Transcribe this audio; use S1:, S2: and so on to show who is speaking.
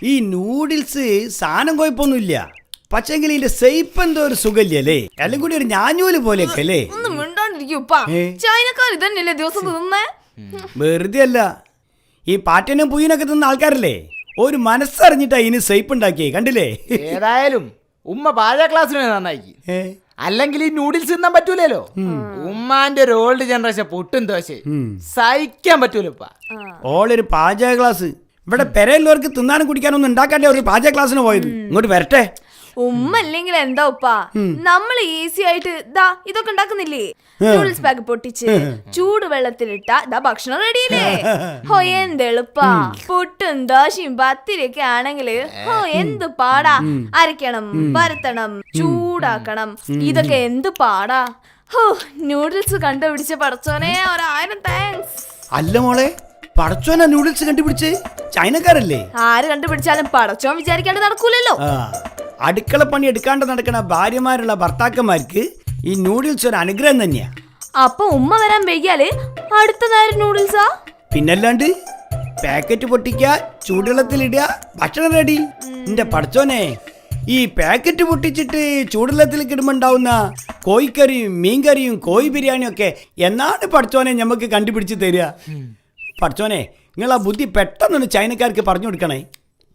S1: ഈ നൂഡിൽസ് സാധനം കുഴപ്പമൊന്നുമില്ല, പക്ഷെങ്കിൽ ഇതിന്റെ സൈപ്പ് എന്തോ ഒരു സുഖല്ലേ, എല്ലാം കൂടി ഒരു ഞാഞ്ഞൂല് പോലെയൊക്കെ അല്ലേ.
S2: ഒന്നും മിണ്ടാണ്ടിരിക്കൂപ്പാ, ചൈനക്കാർ ഇതന്നെയല്ലേ ദിവസം തിന്നേ.
S1: വെറുതെ അല്ല, ഈ പാറ്റനും പുയ്യനൊക്കെ തിന്ന ആൾക്കാരല്ലേ, ഒരു മനസ്സറിഞ്ഞിട്ടാ ഇതിന് സൈപ്പ് ഉണ്ടാക്കിയേ, കണ്ടില്ലേ.
S3: ഏതായാലും ഉമ്മ പാചക ക്ലാസ്സിന് നന്നാക്കി, അല്ലെങ്കിൽ ഈ നൂഡിൽസ് തിന്നാൻ പറ്റൂലല്ലോ. ഉമ്മാന്റെ ഒരു ഓൾഡ് ജനറേഷൻ പൊട്ടും ദോശ സഹിക്കാൻ പറ്റൂലപ്പാ.
S1: ഓളൊരു പാചക ക്ലാസ്, ഇവിടെ പെരയുള്ളവർക്ക് തിന്നാനും കുടിക്കാനൊന്നും ഉണ്ടാക്കാണ്ടേ ഒരു പാചക ക്ലാസ്സിന് പോയത്. ഇങ്ങോട്ട് വരട്ടെ.
S2: ഉമ്മ അല്ലെങ്കിൽ എന്താ ഉപ്പാ, നമ്മൾ ഈസി ആയിട്ട് ദാ ഇതൊക്കെ ഉണ്ടാക്കുന്നില്ലേ. നൂഡിൽസ് പാക്ക് പൊട്ടിച്ച് ചൂട് വെള്ളത്തിലിട്ട ദാ ഭക്ഷണം റെഡിയില്ലേ. ഹോ എന്ത് എളുപ്പാ. പുട്ടും ദോശയും പത്തിരിയൊക്കെ ആണെങ്കില് ഹോ എന്ത് പാടാ. അരയ്ക്കണം, പരത്തണം, ചൂടാക്കണം, ഇതൊക്കെ എന്ത് പാടാ. ഹോ നൂഡിൽസ് കണ്ടുപിടിച്ച പടച്ചോനെ 1000 താങ്ക്സ്.
S1: അല്ല മോളെ, പടച്ചോനാ നൂഡിൽസ് കണ്ടുപിടിച്ച്? ചൈനക്കാരല്ലേ?
S2: ആര് കണ്ടുപിടിച്ചാലും പടച്ചോൻ വിചാരിക്കാണ്ട് നടക്കൂലല്ലോ.
S1: അടുക്കള പണി എടുക്കാണ്ട് നടക്കുന്ന ഭാര്യമാരുള്ള ഭർത്താക്കന്മാർക്ക് ഈ നൂഡിൽസ് ഒരു അനുഗ്രഹം തന്നെയാ.
S2: അപ്പൊ ഉമ്മ വരാൻ വൈകിയാല് അടുത്ത നേരം നൂഡിൽസാ.
S1: പിന്നല്ലാണ്ട് പാക്കറ്റ് പൊട്ടിക്ക, ചൂടുവെള്ളത്തിലിടുക, ഭക്ഷണം റെഡി. എന്റെ പടച്ചോനെ, ഈ പാക്കറ്റ് പൊട്ടിച്ചിട്ട് ചൂടുവെള്ളത്തിലേക്ക് ഇടുമ്പോ ഉണ്ടാവുന്ന കോഴിക്കറിയും മീൻകറിയും കോഴി ബിരിയാണിയും ഒക്കെ എന്നാണ് പടച്ചോനെ ഞമ്മക്ക് കണ്ടുപിടിച്ച് തരിക. പടച്ചോനെ, നിങ്ങൾ ആ ബുദ്ധി പെട്ടെന്നൊന്ന് ചൈനക്കാർക്ക് പറഞ്ഞു കൊടുക്കണേ.